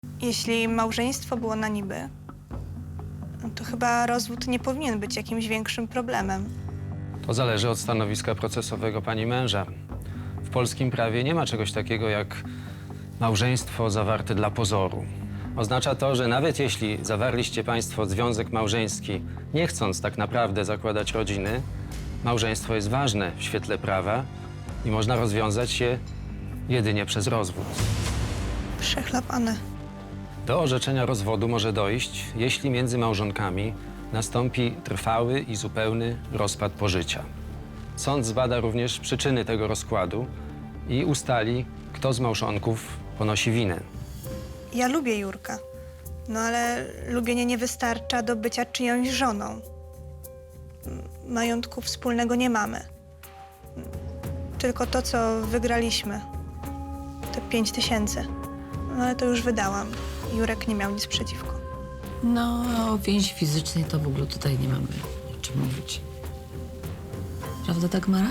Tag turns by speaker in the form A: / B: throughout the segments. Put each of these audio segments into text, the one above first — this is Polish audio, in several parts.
A: Jeśli małżeństwo było na niby, no to chyba rozwód nie powinien być jakimś większym problemem.
B: To zależy od stanowiska procesowego pani męża. W polskim prawie nie ma czegoś takiego jak małżeństwo zawarte dla pozoru. Oznacza to, że nawet jeśli zawarliście państwo związek małżeński, nie chcąc tak naprawdę zakładać rodziny, małżeństwo jest ważne w świetle prawa i można rozwiązać je jedynie przez rozwód.
A: Przechlapane.
B: Do orzeczenia rozwodu może dojść, jeśli między małżonkami nastąpi trwały i zupełny rozpad pożycia. Sąd zbada również przyczyny tego rozkładu i ustali, kto z małżonków ponosi winę.
A: Ja lubię Jurka, no ale lubienie nie wystarcza do bycia czyjąś żoną. Majątku wspólnego nie mamy. Tylko to, co wygraliśmy. Te 5000. No ale to już wydałam. Jurek nie miał nic przeciwko.
C: No, a o więzi fizycznej to w ogóle tutaj nie mamy o czym mówić. Prawda, Dagmara?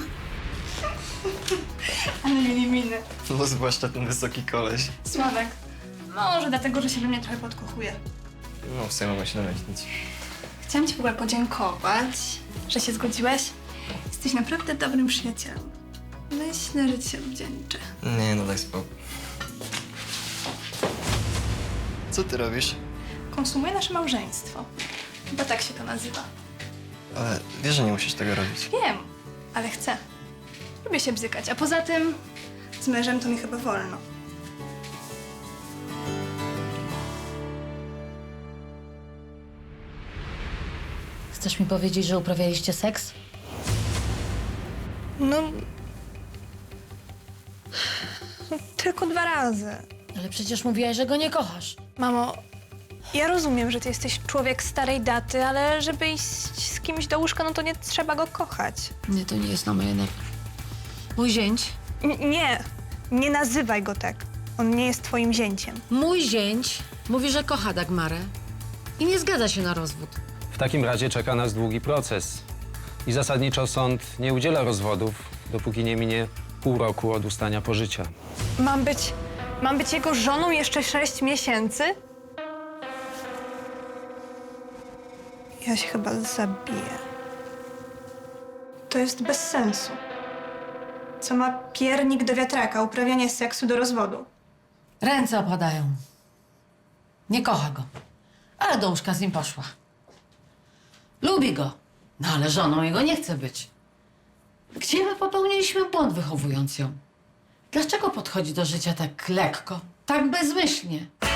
A: Ale mieli miny.
D: No zwłaszcza ten wysoki koleś.
A: Sławek. Może dlatego, że się we mnie trochę podkochuje.
D: No w sumie mogę się domyślić.
A: Chciałam ci w ogóle podziękować, że się zgodziłeś. Jesteś naprawdę dobrym przyjacielem. Myślę, że ci się odwdzięczę.
D: Nie, no daj spokój. Co ty robisz?
A: Konsumuję nasze małżeństwo. Chyba tak się to nazywa.
D: Ale wiesz, że nie musisz tego robić.
A: Wiem, ale chcę. Lubię się bzykać, a poza tym z mężem to mi chyba wolno.
C: Chcesz mi powiedzieć, że uprawialiście seks?
A: No... Tylko 2 razy.
C: Ale przecież mówiłaś, że go nie kochasz.
A: Mamo, ja rozumiem, że ty jesteś człowiek starej daty, ale żeby iść z kimś do łóżka, no to nie trzeba go kochać.
C: Nie, to nie jest na moje nerwy. Mój zięć.
A: Nie, nie nazywaj go tak. On nie jest twoim zięciem.
C: Mój zięć mówi, że kocha Dagmarę i nie zgadza się na rozwód.
B: W takim razie czeka nas długi proces i zasadniczo sąd nie udziela rozwodów, dopóki nie minie pół roku od ustania pożycia.
A: Mam być jego żoną jeszcze 6 miesięcy? Ja się chyba zabiję. To jest bez sensu. Co ma piernik do wiatraka, uprawianie seksu do rozwodu?
C: Ręce opadają. Nie kocha go, ale do łóżka z nim poszła. Lubi go, no ale żoną jego nie chce być. Gdzie my popełniliśmy błąd, wychowując ją? Dlaczego podchodzi do życia tak lekko, tak bezmyślnie?